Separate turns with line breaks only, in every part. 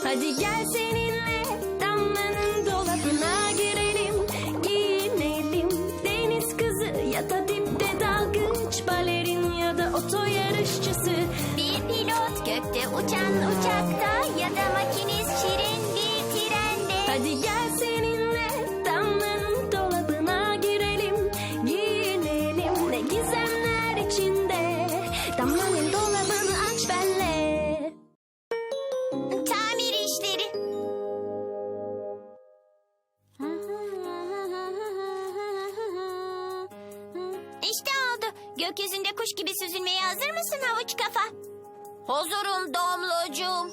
Hadi gel seninle Damla'nın dolabına girelim, giyinelim. Deniz kızı ya da dipte dalgıç, balerin ya da oto yarışçısı.
Bir pilot gökte uçan uçakta ya da makinist şirin bir trende.
Hadi gel seninle Damla'nın dolabına girelim, giyinelim. Ne gizemler içinde, Damla'nın dolabını aç benle.
Tamir işleri. İşte oldu. Gökyüzünde kuş gibi süzülmeye hazır mısın havuç kafa? Hazırım Damlacığım.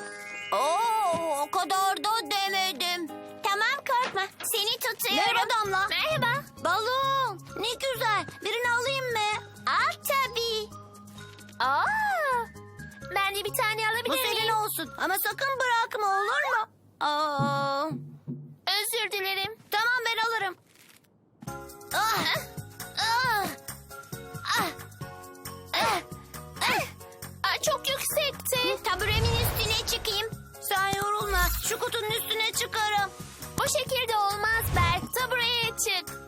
O kadar da demedim. Tamam korkma. Seni tutuyorum. Merhaba Damla. Merhaba. Balon. Ne güzel. Birini alayım mı? Al tabii. Ben de bir tane alabilir miyim? Bu senin olsun. Ama sakın bırakma, olur mu? Özür dilerim. Tamam, ben alırım. Çok yüksekti. Taburemin üstüne çıkayım. Sen yorulma. Şu kutunun üstüne çıkarım. Bu şekilde olmaz Berk. Tabureye çık.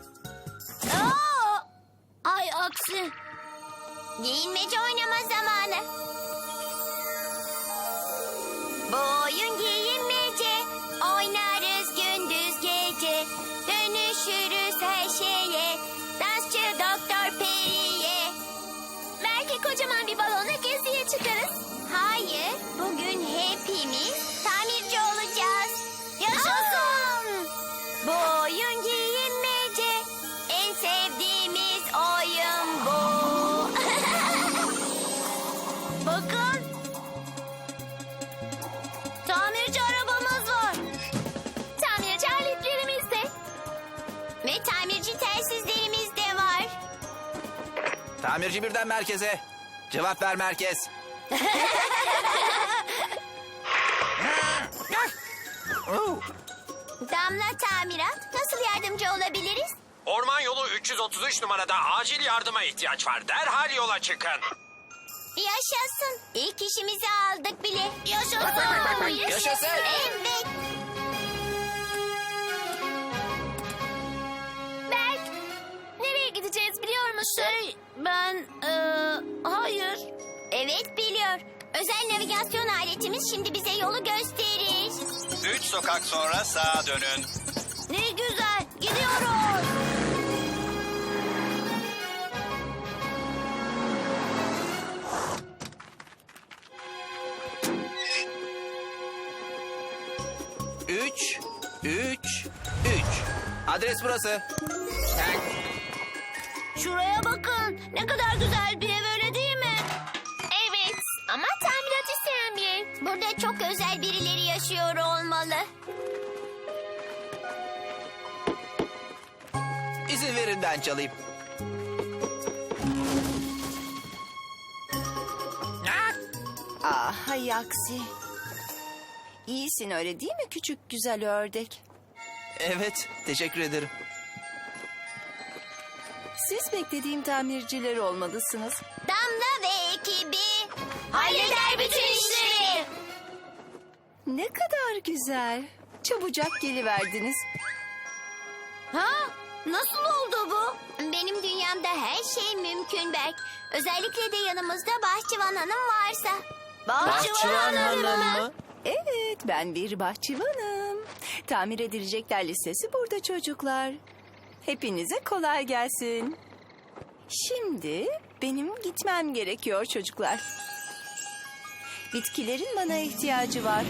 Ay aksi. Giyinmece oynama zamanı. Bu oyun giyinmece. Oynarız gündüz gece. Dönüşürüz her şeye. Dansçı Doktor Peri'ye. Belki kocaman bir balonla geziye çıkarız. Hayır, bugün hepimiz tamirci olacağız. Yaşasın! Bu oyun giyinmece. En sevdiğimiz oyun bu. Bakın. Tamirci arabamız var. Tamirci aletlerimiz de. Ve tamirci telsizlerimiz de var.
Tamirci birden merkeze. Cevap ver merkez.
Damla tamirat, nasıl yardımcı olabiliriz?
Orman yolu 333 numarada acil yardıma ihtiyaç var. Derhal yola çıkın.
Yaşasın. İlk işimizi aldık bile. Yaşasın.
Yaşasın.
Evet.
Berk, nereye gideceğiz biliyor musun?
Hayır. Evet biliyor. Özel navigasyon aletimiz şimdi bize yolu gösterir.
3 sokak sonra sağa dönün.
Ne güzel. Gidiyoruz.
Üç. Adres burası.
Şuraya bakın. Ne kadar güzel bir ev, öyle değil mi?
Evet ama tamirat isteyen bir ev.
Burada çok özel birileri yaşıyor olmalı.
İzin verin ben çalayım.
Hay aksi. İyisin öyle değil mi küçük güzel ördek?
Evet, teşekkür ederim.
Siz beklediğim tamirciler olmalısınız.
Damla ve ekibi halleder bütün işleri.
Ne kadar güzel. Çabucak geliverdiniz.
Nasıl oldu bu? Benim dünyamda her şey mümkün Berk. Özellikle de yanımızda Bahçıvan Hanım varsa.
Bahçıvan Hanım mı?
Evet ben bir bahçıvanım. Tamir edilecekler listesi burada çocuklar. Hepinize kolay gelsin. Şimdi benim gitmem gerekiyor çocuklar. Bitkilerin bana ihtiyacı var.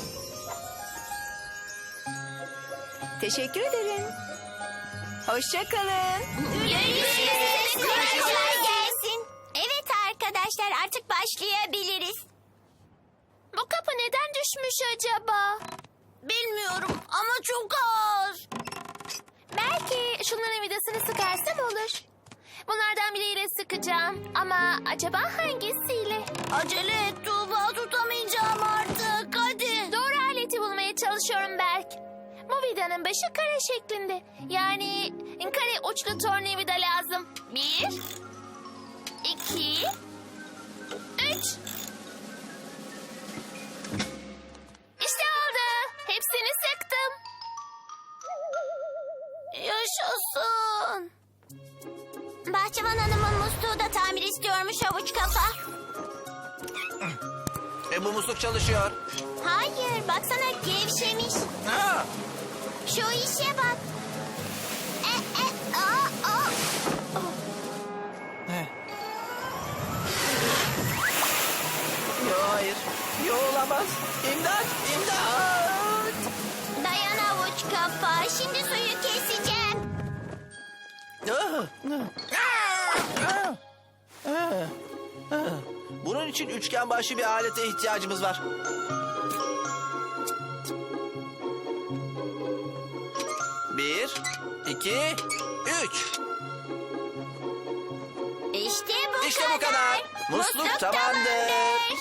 Teşekkür ederim. Hoşça kalın.
Görüşürüz. Kolay gelsin. Evet arkadaşlar, artık başlayabiliriz.
Bu kapı neden düşmüş acaba?
Bilmiyorum ama çok ağır.
Belki şunların vidasını sıkarsam olur. Bunlardan biriyle sıkacağım ama acaba hangisiyle?
Acele et Tuğba, tutamayacağım artık. Hadi.
Doğru aleti bulmaya çalışıyorum Berk. Bu vidanın başı kare şeklinde. Yani kare uçlu tornavida lazım. 1, 2, 3. İşte
Bahçıvan Hanım'ın musluğu da tamir istiyormuş havuç kafa.
Bu musluk çalışıyor.
Hayır, baksana gevşemiş.
Ha!
Şu işe bak. Aa.
Yo, hayır. Yo, olamaz. İmdat! İmdat!
Dayan havuç kafa, şimdi suyu keseceğim.
Bunun için üçgen başlı bir alete ihtiyacımız var. Bir, iki, üç.
İşte bu
İşte bu kadar. Musluk tamamdır.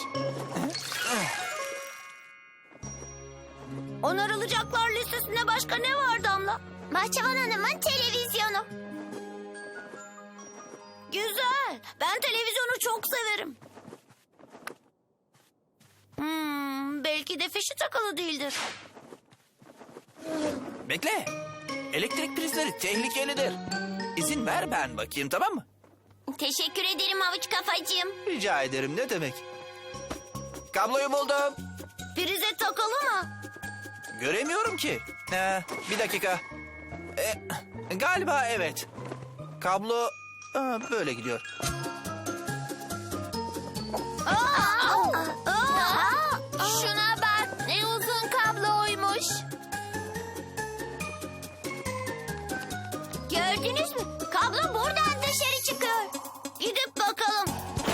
Onarılacaklar listesinde başka ne var Damla? Bahçıvan Hanım'ın televizyonu. Güzel. Ben televizyonu çok severim. Belki de fişi takılı değildir.
Bekle. Elektrik prizleri tehlikelidir. İzin ver ben bakayım, tamam mı?
Teşekkür ederim havuç kafacığım.
Rica ederim, ne demek? Kabloyu buldum.
Prize takılı mı?
Göremiyorum ki. Bir dakika. Galiba evet. Kablo böyle gidiyor.
Şuna bak, ne uzun kabloymuş.
Gördünüz mü? Kablo buradan dışarı çıkıyor. Gidip bakalım.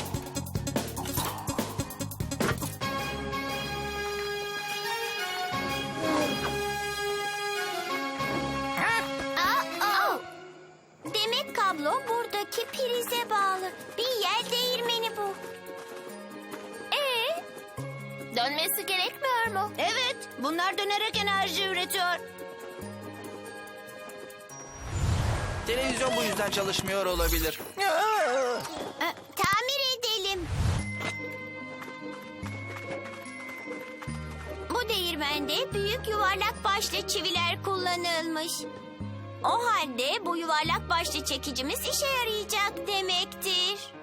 Demek kablo buradaki prize bağlı. Bir yel değirmeni bu.
Dönmesi gerekmiyor mu?
Evet, bunlar dönerek enerji üretiyor.
Televizyon bu yüzden çalışmıyor olabilir.
Tamir edelim. Bu değirmende büyük yuvarlak başlı çiviler kullanılmış. O halde bu yuvarlak başlı çekicimiz işe yarayacak demektir.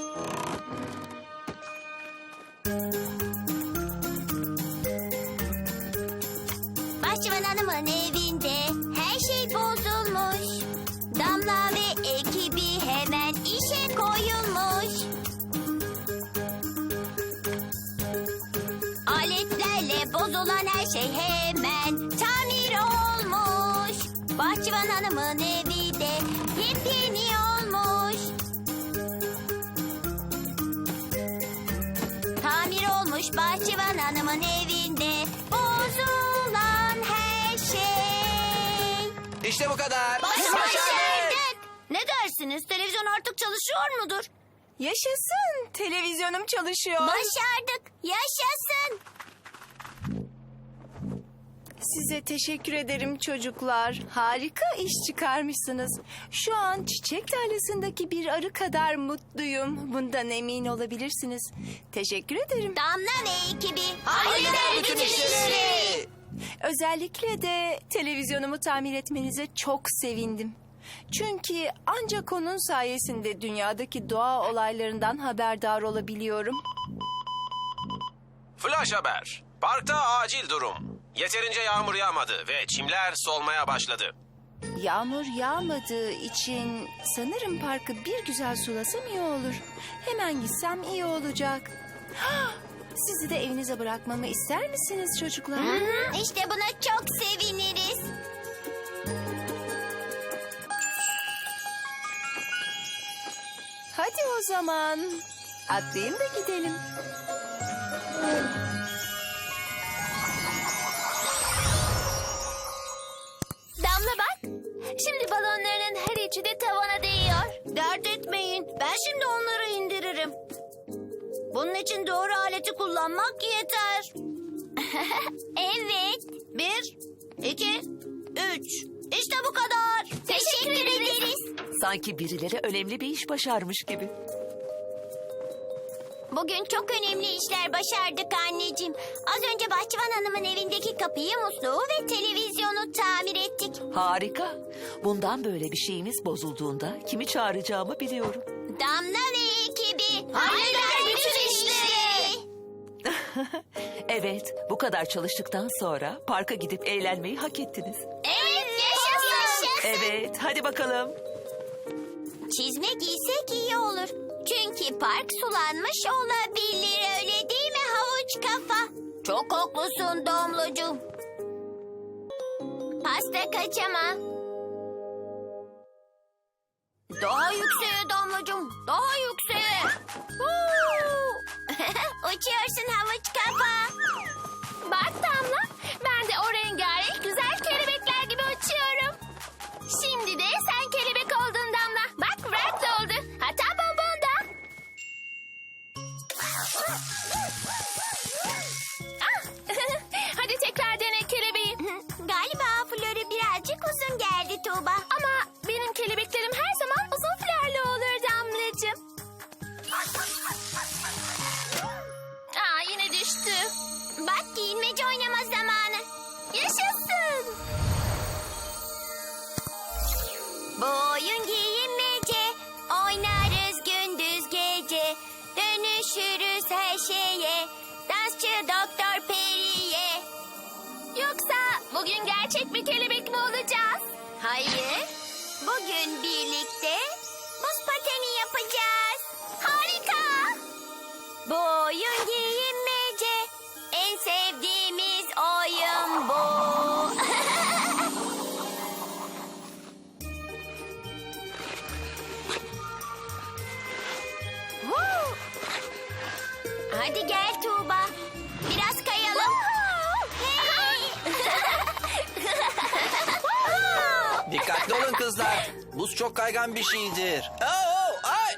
Bahçıvan Hanım'ın evinde her şey bozulmuş. Damla ve ekibi hemen işe koyulmuş. Aletlerle bozulan her şey hemen tamir olmuş. Bahçıvan Hanım'ın evi de yepyeni olmuş. Tamir olmuş Bahçıvan Hanım'ın evinde bozulan her şey.
İşte bu kadar.
Başardık. Ne dersiniz? Televizyon artık çalışıyor mudur?
Yaşasın. Televizyonum çalışıyor.
Başardık. Yaşasın.
Size teşekkür ederim çocuklar. Harika iş çıkarmışsınız. Şu an çiçek tarlasındaki bir arı kadar mutluyum. Bundan emin olabilirsiniz. Teşekkür ederim.
Damla ve ekibi
Halleder bütün işleri.
Özellikle de televizyonumu tamir etmenize çok sevindim. Çünkü ancak onun sayesinde dünyadaki doğa olaylarından haberdar olabiliyorum.
Flash haber. Parkta acil durum. Yeterince yağmur yağmadı ve çimler solmaya başladı.
Yağmur yağmadığı için sanırım parkı bir güzel sulasam iyi olur. Hemen gitsem iyi olacak. Sizi de evinize bırakmamı ister misiniz çocuklar?
İşte buna çok seviniriz.
Hadi o zaman. Atlayın da gidelim.
Damla bak, şimdi balonların her içi de tavana değiyor.
Dert etmeyin. Ben şimdi onları indiririm. Bunun için doğru aleti kullanmak yeter. Evet. 1, 2, 3. İşte bu kadar.
Teşekkür ederiz.
Sanki birileri önemli bir iş başarmış gibi.
Bugün çok önemli işler başardık anneciğim. Az önce Bahçıvan Hanım'ın evindeki kapıyı, musluğu ve televizyonu tamir ettik.
Harika. Bundan böyle bir şeyimiz bozulduğunda kimi çağıracağımı biliyorum.
Damla ve ekibi halleder bütün işleri.
Evet, bu kadar çalıştıktan sonra parka gidip eğlenmeyi hak ettiniz.
Evet, yaşasın.
Evet, hadi bakalım.
Çizme giysek iyi olur. Çünkü park sulanmış olabilir, öyle değil mi havuç kafa? Çok haklısın Domlucuğum. Pasta kaçama. Daha yükseğe Domlucuğum, daha yükseğe. Huu! Uçuyorsun havuç kafa.
Bak Damla, ben de o rengarenk güzel kelebekler gibi uçuyorum. Şimdi de sen kelebek oldun Damla. Bak Brad da oldu. Hatta Bonbon da. Ah! Hadi tekrar dene kelebeği.
Galiba flörü birazcık uzun geldi Tuğba.
Ama benim kelebeklerim her zaman uzun flörlü olur Damlacığım. Aa, yine düştü.
Bak giyinmece oynama zamanı.
Yaşasın.
Bu oyun giyinmece, oynarız gündüz gece. Dönüşürüz her şeye, dansçı Doktor Peri'ye.
Yoksa bugün gerçek bir kelebek mi olacağız?
Hayır, bugün birlikte buz pateni yapacağız. Harika! Bu oyun giyinmece, en sevdiğimiz oyun bu. Woo! Hadi gel Tuğba, biraz kayalım. Hey!
Dikkatli olun kızlar. Buz çok kaygan bir şeydir. Ay!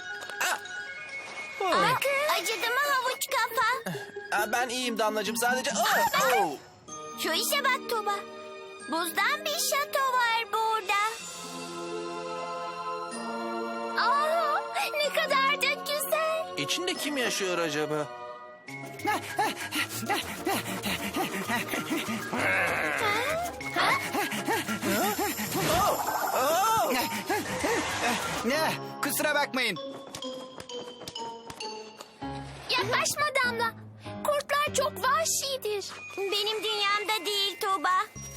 Acıdı mı havuç kafa?
Ben iyiyim Damlacığım, sadece...
Şu işe bak Tuba. Buzdan bir şato var burada.
Aa, ne kadar da güzel.
İçinde kim yaşıyor acaba?
Ne? Kusura bakmayın.
Yaklaşma Damla. Kurtlar çok vahşidir.
Benim dünyamda değil Tuba.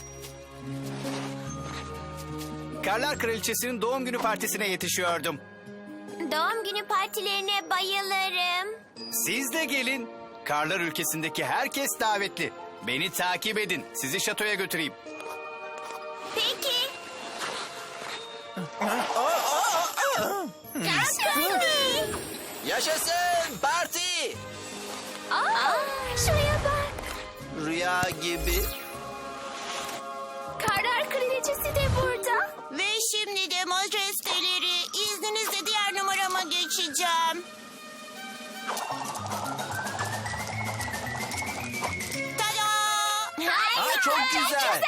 Karlar Kraliçesi'nin doğum günü partisine yetişiyordum.
Doğum günü partilerine bayılırım.
Siz de gelin. Karlar ülkesindeki herkes davetli. Beni takip edin. Sizi şatoya götüreyim.
Peki.
Yaşasın parti!
Aa, şuraya bak.
Rüya gibi.
Karlar Kraliçesi de burada.
Ve şimdi de majesteleri, izninizle diğer numarama geçeceğim. Tada!
Çok güzel.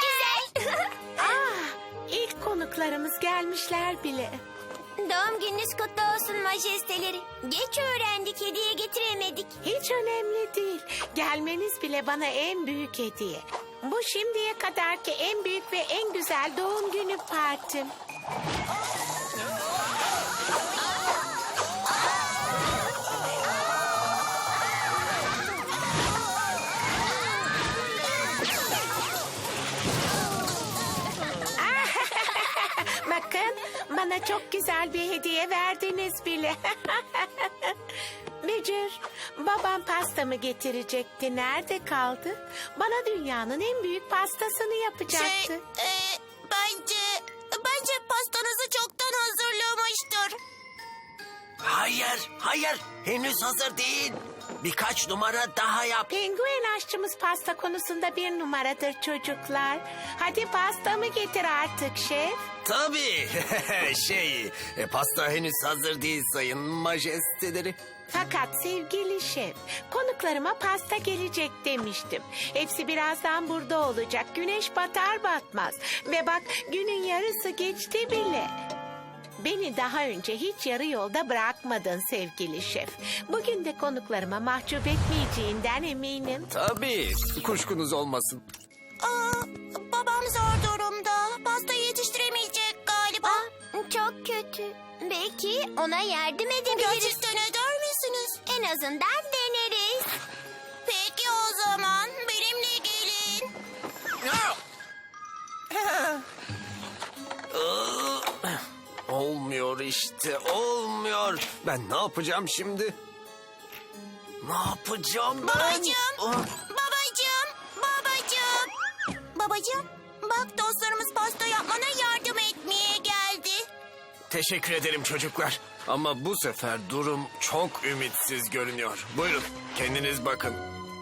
İlk konuklarımız gelmişler bile.
Doğum gününüz kutlu olsun majesteleri. Geç öğrendik, hediye getiremedik.
Hiç önemli değil. Gelmeniz bile bana en büyük hediye. Bu şimdiye kadarki en büyük ve en güzel doğum günü partim. Bakın, bana çok güzel bir hediye verdiniz bile. Bücür, babam pastamı getirecekti. Nerede kaldı? Bana dünyanın en büyük pastasını yapacaktı.
Bence pastanızı çoktan hazırlamıştır.
Hayır. Henüz hazır değil. Birkaç numara daha yap.
Penguen aşçımız pasta konusunda bir numaradır çocuklar. Hadi pastamı getir artık şef.
Tabii. Pasta henüz hazır değil sayın majesteleri.
Fakat sevgili şef, konuklarıma pasta gelecek demiştim. Hepsi birazdan burada olacak. Güneş batar batmaz. Ve bak günün yarısı geçti bile. Beni daha önce hiç yarı yolda bırakmadın sevgili şef. Bugün de konuklarıma mahcup etmeyeceğinden eminim.
Tabii, kuşkunuz olmasın.
Babam zor durumda. Pastayı yetiştiremeyecek galiba. Çok kötü. Belki ona yardım edebiliriz. Gerçekten eder misiniz? En azından deneriz. Peki o zaman benimle gelin.
Olmuyor işte, olmuyor. Ben ne yapacağım şimdi? Ne yapacağım ben?
Babacığım, babacığım. Bak dostlarımız pasta yapmana yardım etmeye geldi.
Teşekkür ederim çocuklar. Ama bu sefer durum çok ümitsiz görünüyor. Buyurun, kendiniz bakın.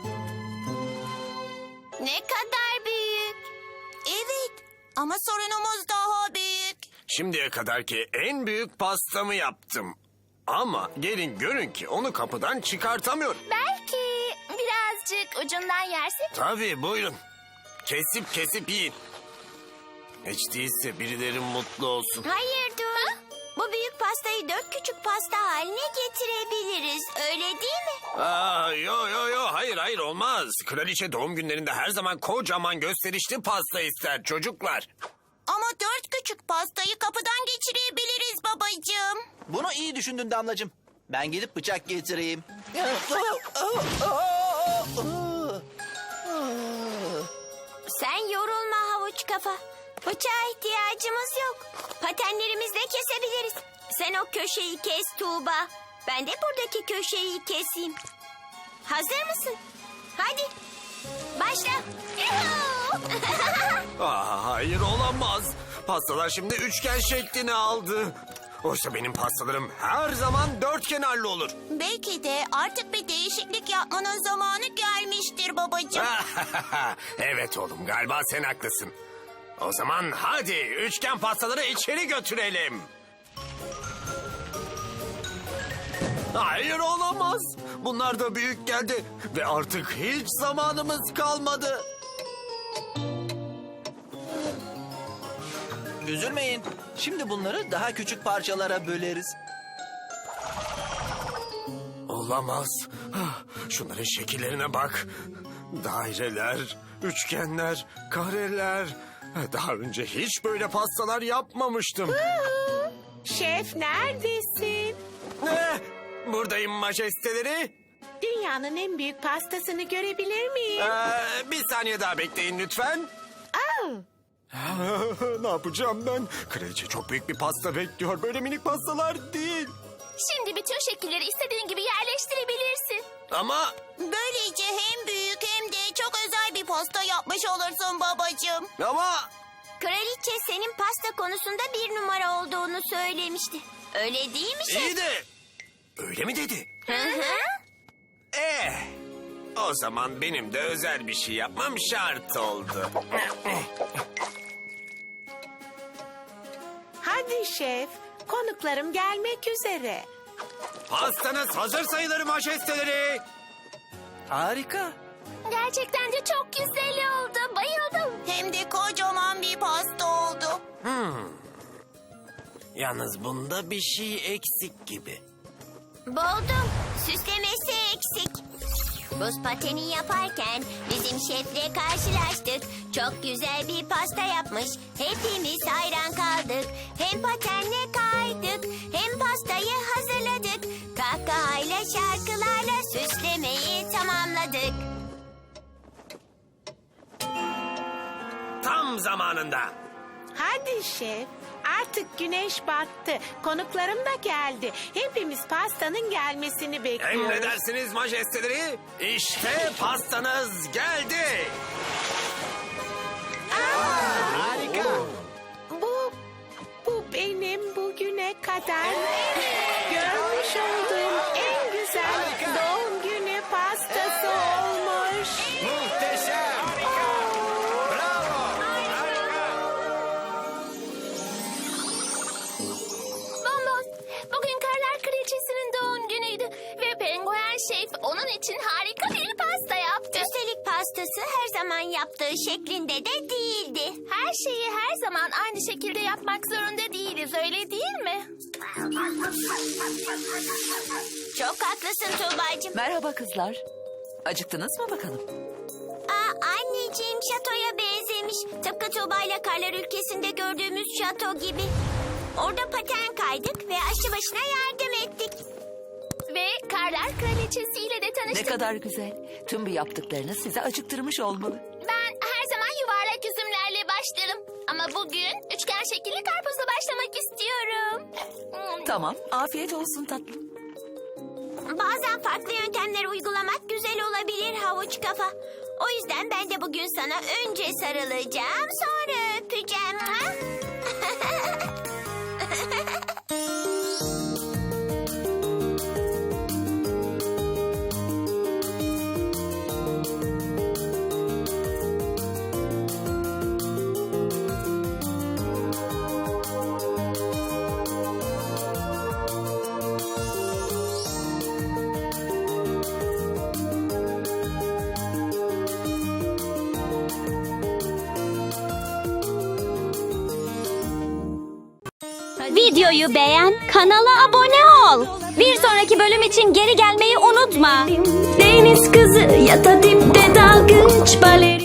Ne kadar büyük. Evet ama sorunumuz daha büyük.
Şimdiye kadarki en büyük pastamı yaptım. Ama gelin görün ki onu kapıdan çıkartamıyorum.
Belki birazcık ucundan yersek?
Tabii buyurun. Kesip yiyin. Hiç değilse birileri mutlu olsun.
Hayır dur. Bu büyük pastayı 4 küçük pasta haline getirebiliriz. Öyle değil mi?
Yo hayır olmaz. Kraliçe doğum günlerinde her zaman kocaman gösterişli pasta ister çocuklar.
Ama 4 küçük pastayı kapıdan geçirebiliriz babacığım.
Bunu iyi düşündün Damlacığım. Ben gidip bıçak getireyim.
Sen yorulma havuç kafa. Bıçağa ihtiyacımız yok. Patenlerimizle kesebiliriz. Sen o köşeyi kes Tuğba. Ben de buradaki köşeyi keseyim. Hazır mısın? Hadi. Başla.
Hayır olamaz. Pastalar şimdi üçgen şeklini aldı. Oysa benim pastalarım her zaman dört kenarlı olur.
Belki de artık bir değişiklik yapmanın zamanı gelmiştir babacığım.
Evet oğlum, galiba sen haklısın. O zaman hadi üçgen pastaları içeri götürelim. Hayır olamaz. Bunlar da büyük geldi ve artık hiç zamanımız kalmadı.
Üzülmeyin. Şimdi bunları daha küçük parçalara böleriz.
Olamaz. Şunların şekillerine bak. Daireler, üçgenler, kareler. Daha önce hiç böyle pastalar yapmamıştım.
Şef neredesin?
Buradayım majesteleri.
Dünyanın en büyük pastasını görebilir miyim?
Bir saniye daha bekleyin lütfen.
Aa,
Ne yapacağım ben? Kraliçe çok büyük bir pasta bekliyor. Böyle minik pastalar değil.
Şimdi bütün şekilleri istediğin gibi yerleştirebilirsin.
Ama
Böylece hem büyük hem de çok özel bir pasta yapmış olursun babacığım. Kraliçe senin pasta konusunda 1 numara olduğunu söylemişti. Öyle değil mi şef?
iyi de öyle mi dedi?
Hı hı.
O zaman benim de özel bir şey yapmam şart oldu.
hadi şef. Konuklarım gelmek üzere.
Pastanız hazır sayılır majesteleri.
Harika.
Gerçekten de çok güzel oldu. Bayıldım.
Hem de kocaman bir pasta oldu.
Yalnız bunda bir şey eksik gibi.
Buldum. Süslemesi eksik. Buz pateni yaparken bizim şefle karşılaştık. Çok güzel bir pasta yapmış. Hepimiz hayran kaldık. Hem patenle kaydık hem pastayı hazırladık. Kahkahayla şarkılarla süslemeyi tamamladık.
Tam zamanında.
Hadi şef. Artık güneş battı. Konuklarım da geldi. Hepimiz pastanın gelmesini bekliyoruz.
Emredersiniz majesteleri. İşte pastanız geldi.
Bu benim bugüne kadar görmüş olduğum en güzel doğum günü pastası olmuş.
Muhteşem.
Bonbon, bugün Karlar Kraliçesi'nin doğum günüydü. Ve penguen şef onun için harika bir pasta yaptı.
Üstelik pastası her zaman yaptığı şeklinde de değildi.
Her şeyi her zaman aynı şekilde yapmak zorunda değiliz, öyle değil mi?
Çok haklısın Tuğba'cığım.
Merhaba kızlar. Acıktınız mı bakalım?
Anneciğim şatoya benzemiş. Tıpkı Tuğba ile Karlar Ülkesi'nde gördüğümüz şato gibi. Orada paten kaydık ve aşçı başına yardım ettik.
Ve Karlar Kraliçesi'yle de
Ne
tanıştık.
kadar güzel. Tüm bu yaptıklarınız sizi acıktırmış olmalı.
Ben her zaman yuvarlak üzümlerle başlarım. Ama bugün üçgen şekilli karpuzla başlamak istiyorum.
Tamam, afiyet olsun tatlım.
Bazen farklı yöntemler uygulamak güzel olabilir havuç kafa. O yüzden ben de bugün sana önce sarılacağım, sonra öpeceğim. Ha?
Videoyu beğen, kanala abone ol. Bir sonraki bölüm için geri gelmeyi unutma. Deniz kızı ya da dipte dalgıç balerin.